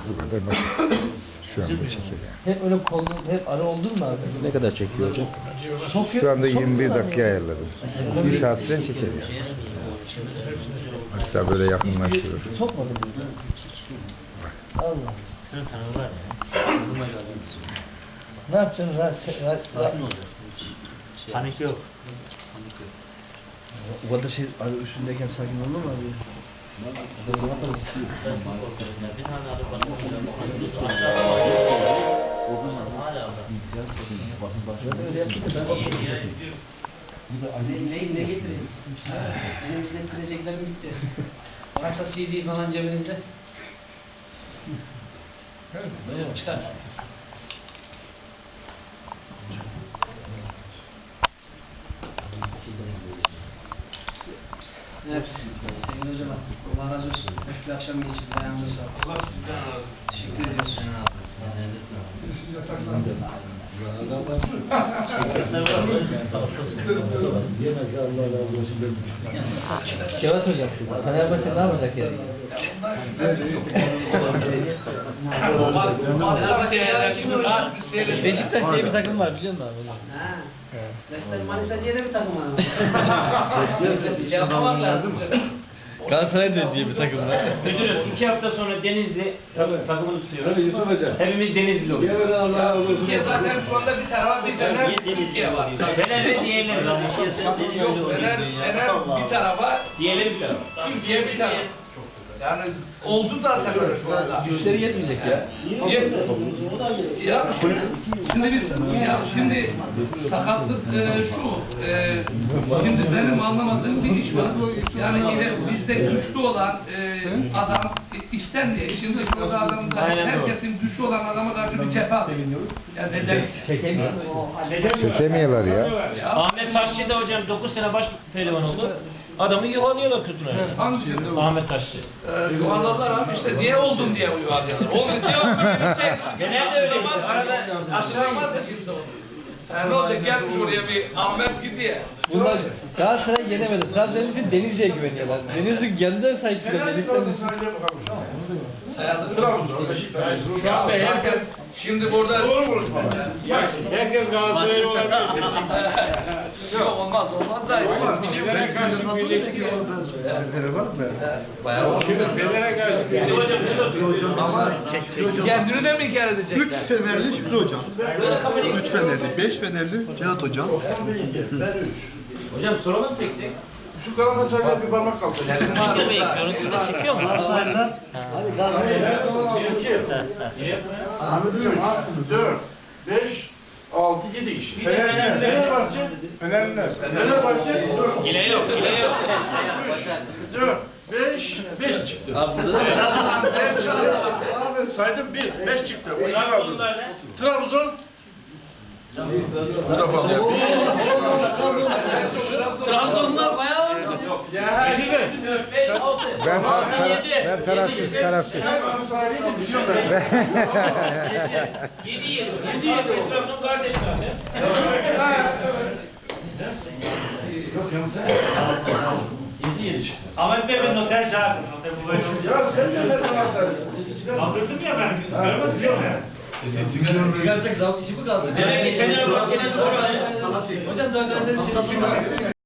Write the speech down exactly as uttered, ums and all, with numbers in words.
Bu kadar basit. Şu anda çekiyor yani. Hep öyle kol, hep ara oldun mu abi? Ne kadar çekiyor hocam? Çok, Şu anda çok yirmi bir güzel dakika yani. ayarladım. Bir saatten çeker yani. Hatta böyle yakınlaştırır. Sokmadın mı? Allah. Senin tanrı var ya. Ne yapacaksın? Rahat, rahat, Sakin olacaksın. Hiç panik yok. Panik yok. O kadar şey arı üstündeyken sakin olur mu abi? Bir tane arı bana aşağıda hala Öyle yaptı da ben Ne, ne getireyim? Benim izlettireceklerim bitti. Varsa C D falan cebinizde. Buyurun çıkar. Evet, sevgili hocam, Allah razı olsun. Hoş bir akşam geçirdik, ayağınıza sağlık. Allah sizden razı olsun. Teşekkür ediyoruz. Kevat hocam, Fenerbahçe ne yapacak yani? Beşiktaş diye bir takım var biliyor musun abi? Ha. Beşiktaş Manisa diye de bir takım var. Bir şey yapmamak lazım. Galatasaray diye bir takım var. Müdürüm iki hafta sonra Denizli tak- takımını tutuyoruz. Hepimiz Denizli oluyoruz. Zaten şu anda bir tarafa bir Fener Türkiye var. Fener ve diğerleri. Yok Fener, Fener bir tarafa, Diğerleri bir tarafa. Türkiye bir tarafa. Yani oldu zaten öyle şu anda. Güçleri yetmeyecek ya. Ya şimdi, şimdi biz ya şimdi sakatlık e, şu e, şimdi benim anlamadığım bir iş var. Yani yine bizde güçlü olan e, adam e, istenmiyor. Şimdi şurada adamda herkesin güçlü olan adama karşı bir cephe alıyor. Yani neden? Çekemiyor. Çekemiyorlar ya. Ahmet Taşçı da hocam dokuz sene baş pehlivan oldu. Adamı yuvalıyorlar kötüne. Hangisi? Ahmet Taşçı. E, yuvarladılar abi işte niye oldun diye yuvarlıyorlar. Oldu diye oldu bir şey. Genelde öyle. Arada aşağılamaz. Yani ne olacak gelmiş oraya bir Ahmet gidiyor. Bunlar Galatasaray yenemedi. Zaten Denizli Denizli'ye güveniyorlar. Denizli kendine sahip çıkıyor. Delikten düşün. Şu an herkes şimdi burada doğru konuşma. Herkes Galatasaraylı olabilir. Yok olmaz olmaz da. Bayağı ama kendini de mi inkar edecekler? Üç Fenerli Şükrü Hocam. Üç Fenerli, beş Fenerli Cihat Hocam. Hocam soralım tek tek. Şu kanalda sadece bir parmak kaldı. Çekiyor mu? Görüntüde çekiyor mu? Hadi dört, beş, altı, yedi kişi. Fenerbahçe, Fenerliler. Fenerbahçe, dört. Yine yok, yine yok. dört, beş, beş çıktı. Abi burada da Abi saydım bir, beş çıktı. Onlar aldı. Trabzon. Bu da fazla. Trabzonlar bayağı var. Ya beş, altı. Ben, tara ben tarafsız, tarafsız. yedi, yedi. yedi, yedi. Trabzon kardeşler. yedi, yedi çıktı. Ahmet Bey ben noter çağırsın. Noter bu böyle olacak. Ya sen söyle bana sen. Kaldırdım ya ben. Görmedim diyorum ya. çıkaracak zavk işi mi kaldı? Demek ki Fenerbahçe'nin doğru. Hocam daha Galatasaray'ın